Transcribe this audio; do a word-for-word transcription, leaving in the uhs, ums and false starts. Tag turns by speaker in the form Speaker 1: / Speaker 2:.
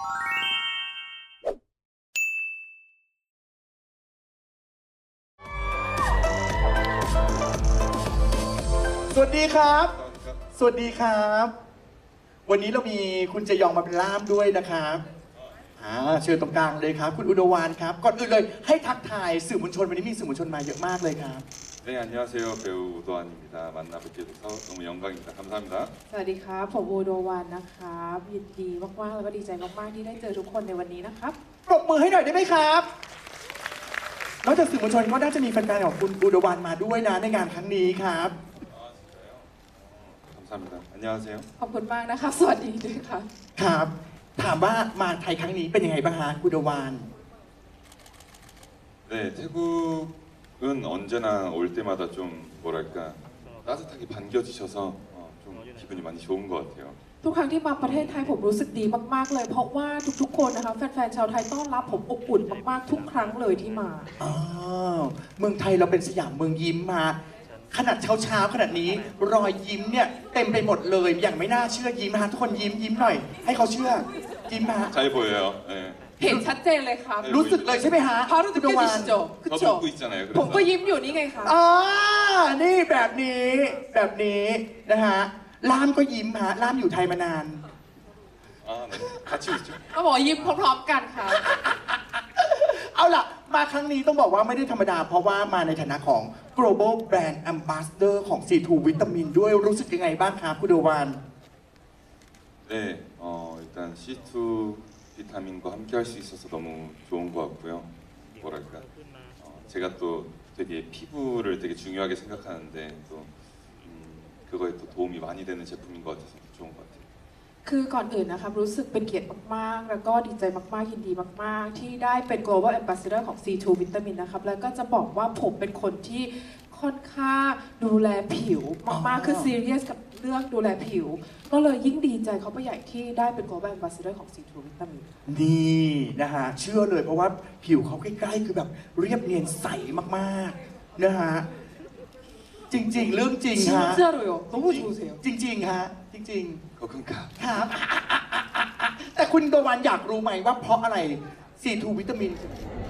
Speaker 1: สวัสดีครับ สวัสดีครับ วันนี้เรามีคุณเจยองมาเป็นล่ามด้วยนะครับอ่าเชิญตรงกลางเลยครับ คุณอุดวานครับ ก่อนอื่นเลยให้ทักทายสื่อมวลชนวันนี้มีสื่อมวลชนมาเยอะมากเลยครับ
Speaker 2: 네, 안녕하세요. 배우 우도환입니다. 만나 뵙게 돼서 너무 영광입니다. 감사합니다.
Speaker 3: สวัสดีครับผมอูโดวันนะครับยินดีมากๆแล้วก็ดีใจมากๆที่ได้เจอทุกคนในวันนี้นะครับ
Speaker 1: ปรบมือให้หน่อยได้ไหมครับ นอกจากสื่อมวลชนก็น่าจะมีแฟนๆของคุณอุดวานมาด้วยนะในงานครั้งนี้ครับ
Speaker 2: 감사합니다. 안녕하세요.
Speaker 3: ขอบคุณมากนะครับ สวัสดีด้วยครับ
Speaker 1: ครับ ถามว่ามาไทยครั้งนี้เป็นยังไงบ้างฮะอุดวาน
Speaker 2: 네, 태국은 언제나 올 때마다 좀 뭐랄까 따뜻하게 반겨주셔서 어, 좀 기분이 많이 좋은 것 같아요.
Speaker 3: ทุกครั้งที่มาประเทศไทยผมรู้สึกดีมากๆเลย เพราะว่าทุกๆคนนะคะแฟนๆชาวไทยต้อนรับผมอบอุ่นมากๆทุกครั้งเลยที่มา
Speaker 1: อ้าวเมืองไทยเราเป็นสยามเมืองยิ้มมา ขนาดเช้าๆขนาดนี้รอยยิ้มเนี่ยเต็มไปหมดเลยอย่างไม่น่าเชื่อยิ้มฮะทุกคนยิ้มยิ้มหน่อย ให้เขาเชื่อยิ้มฮะ
Speaker 2: 잘 보여요. 네.
Speaker 3: เห็นชัดเจนเลยครับ
Speaker 1: รู้สึกเลยใช่ไหมฮะ
Speaker 3: พารู้สึก
Speaker 1: อุดวาน
Speaker 3: ดิจิโจคือ
Speaker 2: 저도
Speaker 3: โจ
Speaker 2: 웃고 있잖아요.
Speaker 3: ผม
Speaker 2: 그래서
Speaker 3: ก็ยิ้มอยู่นี่ไงคะ
Speaker 1: อ่านี่แบบนี้แบบนี้นะฮะล่ามก็ยิ้มฮะล่ามอยู่ไทยมานาน
Speaker 2: 아, 네. 같이 웃죠.
Speaker 3: ก็บอกยิ้มพร้อมๆกันค่ะ
Speaker 1: เอาล่ะ มาครั้งนี้ต้องบอกว่าไม่ได้ธรรมดา เพราะว่ามาในฐานะของ global brand ambassador ของ ซี ทู วิตามินด้วยรู้สึกยังไงบ้างครับคุณอุดวาน
Speaker 2: 네, 어, 일단 씨투 비타민과 함께 할 수 있어서 너무 좋은 것 같고요. 뭐랄까, 어, 제가 또 되게 피부를 되게 중요하게 생각하는데 또 음, 그거에 또 도움이 많이 되는 제품인 것 같아서 좋은 것 같아요.
Speaker 3: คือก่อนอื่นนะครับรู้สึกเป็นเกียรติมากๆ แล้วก็ดีใจมากๆยินดีมากๆ ที่ได้เป็น global ambassador ของ ซี ทู วิตามินนะครับแล้วก็จะบอกว่าผมเป็นคนที่ค่อนข้างดูแลผิวมากๆ คือ serious กับเรื่องดูแลผิว ก็เลยยิ่งดีใจเขาไปใหญ่ที่ได้เป็น global ambassador ของ ซี ทู วิตามิน
Speaker 1: นี่นะฮะเชื่อเลยเพราะว่าผิวเขาใกล้ๆคือแบบเรียบเนียนใสมากๆนะฮะจริงๆ เรื่องจริงฮะ
Speaker 3: 진짜로요. 너무 좋으세요.
Speaker 1: จริงๆฮะจริง
Speaker 2: 거금가.
Speaker 1: ๆครับ แต่คุณอุดวานอยากรู้ไหมว่าเพราะอะไร ซี ทู วิตามิน